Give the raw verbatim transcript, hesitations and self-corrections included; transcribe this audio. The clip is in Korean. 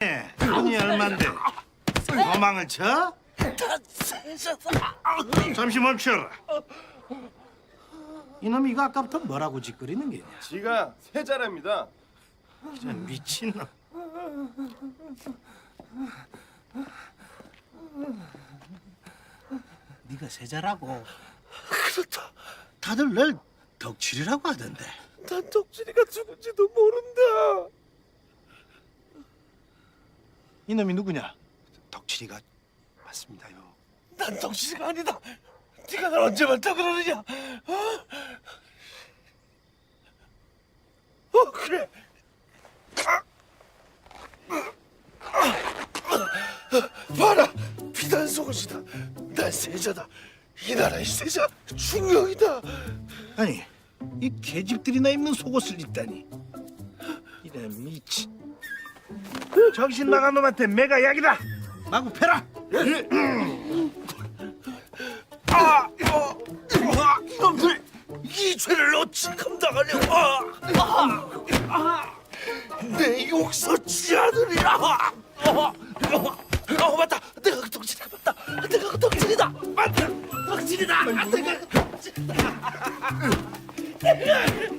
돈이 얼만데 도망을 쳐? 잠시 멈춰라. 이놈이 이거 아까부터 뭐라고 짓거리는 게냐? 지가 세자랍니다. 이런 미친놈. 네가 세자라고? 그렇다. 다들 널 덕칠이라고 하던데. 난 덕진이가 죽은지도 모른다. 이놈이 누구냐? 덕칠이가 맞습니다요. 난 덕진이가 아니다. 네가 날 언제 만나 그러느냐? 어? 어 그래. 봐라, 비단 속옷이다. 난 세자다. 이 나라의 세자 중령이다. 아니, 이 계집들이나 입는 속옷을 입다니. 이런 미친. 정신 나간 놈한테 매가 약이다. 마구 패라. 아, 어, 아, 이놈들 이 죄를 어찌 감당하려고? 아, 아, 아, 내 용서치 않으리라. 아, 아, 아, 맞다. 내가 그 덕질이다. 맞다. 내가 그 덕질이다. 맞다. 덕질이다. 내가 그 덕질이다.